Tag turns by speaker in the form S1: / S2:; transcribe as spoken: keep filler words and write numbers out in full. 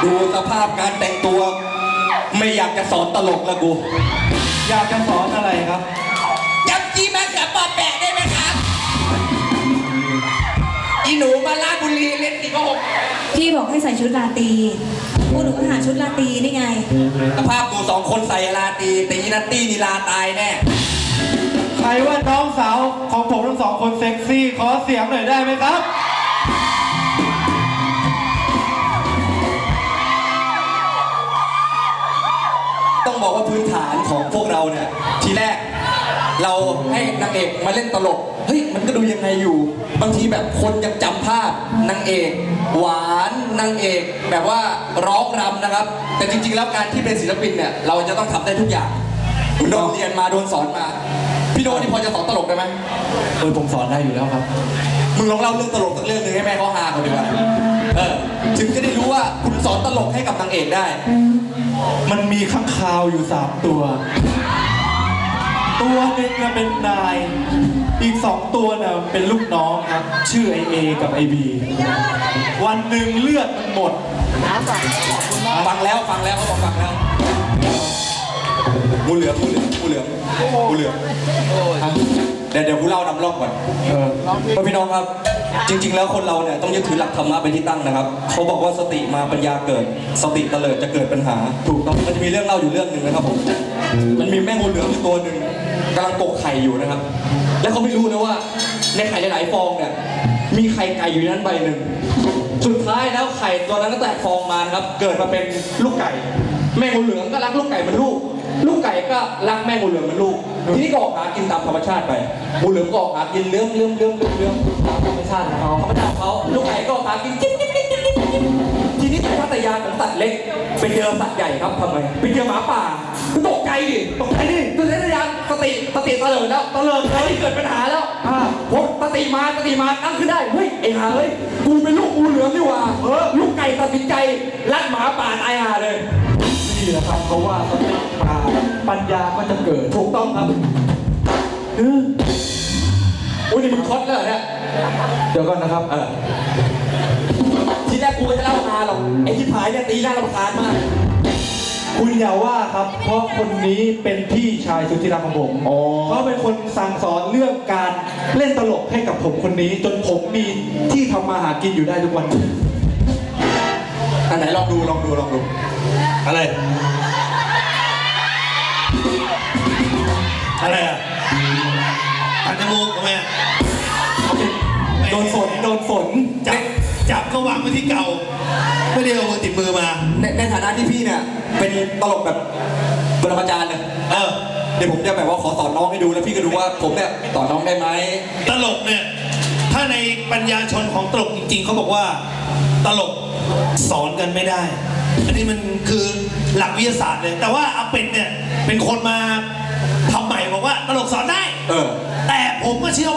S1: ดูสภาพการแต่งตัวไม่อยากจะสอนตลกแล้วกู
S2: อยากจะสอนอะไรครับ
S1: ยำจีมะเขือปอแปะได้ไหมครับอีหนูมาลาดบุรีเล่นสี่ก็หก
S3: พี่บอกให้ใส่ชุดราตรีพวกหนูก็หาชุดราตรีนี่ไง
S1: สภาพกูสองคนใส่ราตรีแต่อีนัตตี้นี่ลาตายแน่
S2: ใครว่าน้องสาวของผมทั้งสองคนเซ็กซี่ขอเสียงหน่อยได้ไหมครับ
S1: ต้องบอกว่าพื้นฐานของพวกเราเนี่ยทีแรกเราให้นางเอกมาเล่นตลกเฮ้ยมันก็ดูยังไงอยู่บางทีแบบคนยังจำภาพนางเอกหวานนางเอกแบบว่าร้องรำนะครับแต่จริงๆแล้วการที่เป็นศิลปินเนี่ยเราจะต้องทำได้ทุกอย่างโดนเรียนมาโดนสอนมาพี่โดนี่พอจะสอนตลกได้ไหม
S2: เออผมสอนได้อยู่แล้วครับ
S1: มึงลองเล่าเรื่องตลกสักเรื่องหนึ่งให้แม่เขาฮาเขาดีกว่าเออถึงจะได้รู้ว่าคุณสอนตลกให้กับนางเอกได้
S2: มันมีข้างคาวอยู่สามตัวตัวหนึ่งเป็นนายอีกสองตัวน่ะเป็นลูกน้องครับชื่อไอเอกับไอบีวันหนึ่งเลือดมันหมด
S1: ฟังแล้วฟังแล้วเขาบอกฟังแล้วงูเหลือมงูเหลือมงูเหลือมงูเหลือมเดี๋ยวเดี๋ยวกูเล่านำร่องก่อนพ่อพี่น้องครับจริงๆแล้วคนเราเนี่ยต้องยึดถือหลักธรรมะเป็นที่ตั้งนะครับเขาบอกว่าสติมาปัญญาเกิดสติเตลิดจะเกิดปัญหาถูกต้องมันจะมีเรื่องเล่าอยู่เรื่องหนึ่งนะครับผมมันมีแม่งูเหลือมอยู่ตัวหนึ่งกำลังกกไข่อยู่นะครับแล้วเขาไม่รู้นะว่าในไข่หลายๆฟองเนี่ยมีไข่ไก่อยู่นั้นใบหนึ่งสุดท้ายแล้วไข่ตัวนั้นก็แตกฟองมาครับเกิดมาเป็นลูกไก่แม่งูเหลือมก็รักลูกไก่เหมือนลูกลูกไก่ก็รักแม่งูเหลือมเหมือนลูกทีนี้ก็ออกหากินตามธรรมชาติไปงูเหลือมก็ออกหากินเลื้อมเลื้อมเลื้อมเลื้อมเลื้อมตามธรรมชาติของเขาธรรมชาติของเขาลูกไก่ก็ออกหากินจิ๊บจิ๊บจิ๊บจิ๊บจิ๊บทีนี้สัญชาตญาณของสัตว์เล็กไปเจอสัตว์ใหญ่ครับทำไมไปเจอหมาป่าตกใจดิตกใจดิสัญชาตญาณสติสติเตลิดแล้วเตลิดเลยเกิดปัญหาแล้วพอสติมาสติมาตั้งขึ้นได้เฮ้ยไอ้ห่าเฮ้ยกูเป็นลูกงูเหลือมนี่หว่าเออลูกไก่ตัดสินใจรัดหมาป่าตายห่าเลย
S2: นี่แหละครับเพราะว่าสติมาปัญญาก็จะเกิด
S1: ถูกต้องครับเออโอ้ยนี่มึงคอสเลยเนี่ย
S2: เดี๋ยวก่อนนะครับ
S1: เออทีแรกกูจะเล่าฮาหรอกไอ้ที่ผายเนี่ยตีหน้ารำคาญมาก
S2: คุณอย่าว่าครับเพราะคนนี้เป็นพี่ชายสุดที่รักของผมเขาเป็นคนสั่งสอนเรื่องการเล่นตลกให้กับผมคนนี้จนผมมีที่ทำมาหากินอยู่ได้ทุกวัน
S1: อันไหนลองดูลองดูลองดู
S2: อะไรอะไรอ่ะ
S4: ตัดจมูกทำไมอ่ะ
S2: โดนฝนโดนฝน
S4: จับจับก็วางไว้ที่เก่าไม่ได้เอามือติดมือมา
S1: ในในฐานะที่พี่เนี่ยเป็นตลกแบบปรมาจารย์เนี่ย
S4: เออ
S1: เดี๋ยวผมจะแบบว่าขอสอนน้องให้ดูแล้วพี่ก็ดูว่าผมเนี่ยสอนน้องได้ไหม
S4: ตลกเนี่ยถ้าในปัญญาชนของตลกจริงๆเขาบอกว่าตลกสอนกันไม่ได้อันนี้มันคือหลักวิทยาศาสตร์เลยแต่ว่าอาเป็ดเนี่ยเป็นคนมาทำใหม่บอกว่าตลกสอนได้
S1: เออ
S4: แต่ผมก็เชื่อ